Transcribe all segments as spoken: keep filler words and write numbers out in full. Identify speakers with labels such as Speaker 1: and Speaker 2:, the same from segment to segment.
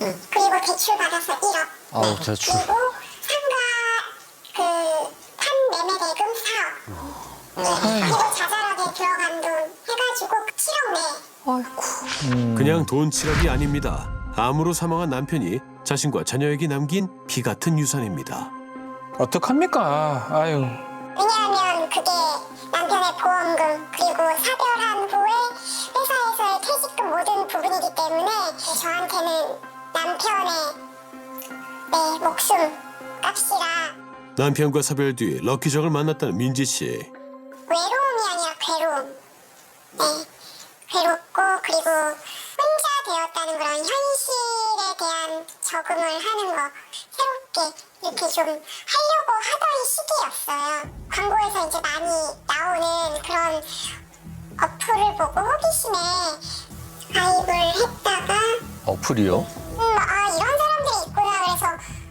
Speaker 1: 응. 그리고 대출 받아서 일억.
Speaker 2: 아우, 대출.
Speaker 1: 그리고 상가 그 판매매 대금 사억. 네. 그리고 자잘하게 들어간 돈 해가지고 칠억 내.
Speaker 3: 아이고.
Speaker 4: 그냥 돈 칠억이 아닙니다. 암으로 사망한 남편이 자신과 자녀에게 남긴 피 같은 유산입니다.
Speaker 5: 어떡합니까? 아유.
Speaker 1: 왜냐하면 그게 남편의 보험금 그리고 사별한 후에 회사에서의 퇴직금 모든 부분이기 때문에 저한테는 남편의 내 목숨 값이라.
Speaker 4: 남편과 사별 뒤 럭키정을 만났다는 민지 씨.
Speaker 1: 외로움이 아니라 괴로움. 네, 괴롭고 그리고 혼자 되었다는 그런 현실에 대한 적응을 하는 거 새롭게 이렇게 좀 하려고 하던 시기였어요. 광고에서 이제 많이 나오는 그런 어플을 보고 호기심에 가입을 했다가
Speaker 2: 어플이요?
Speaker 1: 음, 아 이런 사람들이 있구나 그래서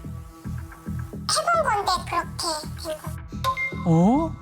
Speaker 1: 해본 건데 그렇게 된 거예요.
Speaker 5: 어?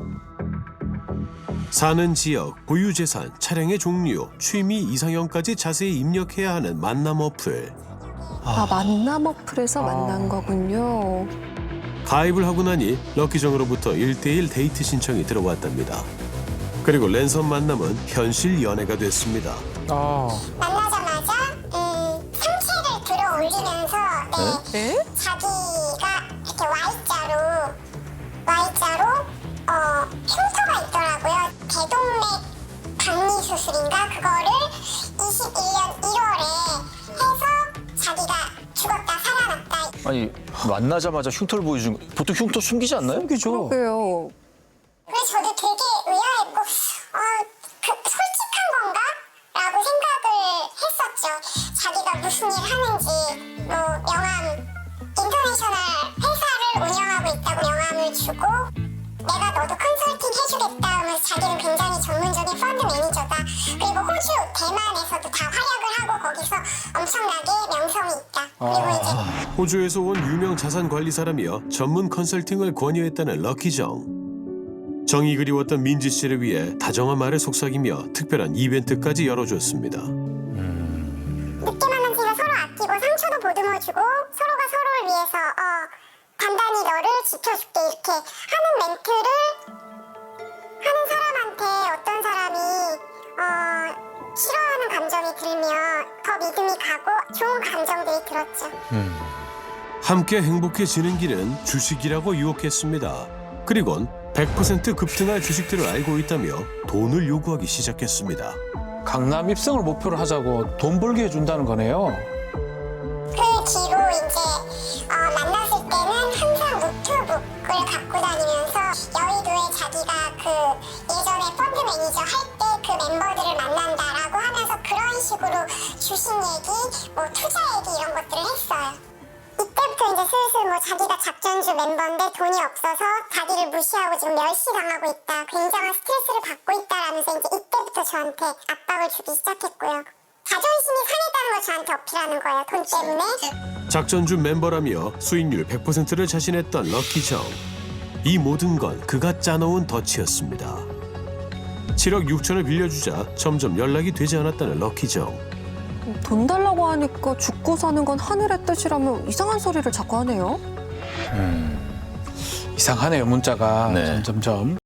Speaker 4: 사는 지역, 보유 재산, 차량의 종류, 취미 이상형까지 자세히 입력해야 하는 만남 어플.
Speaker 3: 아, 만남 어플에서 만난 거군요.
Speaker 4: 가입을 하고 나니 럭키정으로부터 일대일 데이트 신청이 들어왔답니다. 그리고 랜선 만남은 현실 연애가 됐습니다.
Speaker 5: 아.
Speaker 1: 만나자마자 음, 상체를 들어 올리면서 네,
Speaker 3: 네?
Speaker 1: 자기가 이렇게 Y자로 Y자로 어, 흉터가 있더라고요. 대동맥 박리 수술인가 그거를 이십일 년 일월에 해서 자기가 죽었다 살아났다.
Speaker 2: 아니, 만나자마자 흉터를 보여준 거. 보통 흉터 숨기지 않나요?
Speaker 5: 숨기죠.
Speaker 3: 그래요.
Speaker 1: 그래서 저도 되게 의아했고 어, 그, 솔직한 건가? 라고 생각을 했었죠. 자기가 무슨 일 하는지 뭐 명함 인터내셔널 회사를 운영하고 있다고 명함을 주고 내가 너도 컨설팅 해주겠다 하면서 자기는 굉장히 전문적인 펀드 매니저다. 그리고 호주, 대만에서도 다 활약을 하고 거기서 엄청나게 명성이 있다. 그리고 이제
Speaker 4: 호주에서 온 유명 자산 관리사라며 전문 컨설팅을 권유했다는 럭키정. 정이 그리웠던 민지 씨를 위해 다정한 말을 속삭이며 특별한 이벤트까지 열어줬습니다.
Speaker 1: 늦게 만난 제가 서로 아끼고 상처도 보듬어주고 서로가 서로를 위해서 어, 단단히 너를 지켜줄게 이렇게 하는 멘트를 하는 사람한테 어떤 사람이 어, 싫어하는 감정이 들면 더 믿음이 가고 좋은 감정들이 들었죠.
Speaker 4: 함께 행복해지는 길은 주식이라고 유혹했습니다. 그리곤 백 퍼센트 급등할 주식들을 알고 있다며 돈을 요구하기 시작했습니다.
Speaker 5: 강남 입성을 목표로 하자고 돈 벌게 해준다는 거네요.
Speaker 1: 그 뒤로 이제 어, 만났을 때는 항상 노트북을 갖고 다니면서 여의도에 자기가 그 예전에 펀드 매니저 할 때 그 멤버들을 만난다라고 하면서 그런 식으로 주식 얘기, 뭐 투자 얘기 이런 것들을 했어요. 이때부터 이제 슬슬 뭐 자기가 작전주 멤버인데 돈이 없어서 자기를 무시하고 지금 멸시당하고 있다. 굉장한 스트레스를 받고 있다라면서 이제 이때부터 저한테 압박을 주기 시작했고요. 자존심이 상했다는 걸 저한테 어필하는 거예요. 돈 때문에.
Speaker 4: 작전주 멤버라며 수익률 백 퍼센트를 자신했던 럭키정. 이 모든 건 그가 짜놓은 덫이었습니다. 칠억 육천을 빌려주자 점점 연락이 되지 않았다는 럭키정.
Speaker 3: 돈 달라고 하니까 죽고 사는 건 하늘의 뜻이라며 이상한 소리를 자꾸 하네요.
Speaker 5: 이상하네요, 문자가.
Speaker 2: 네.
Speaker 5: 점점점.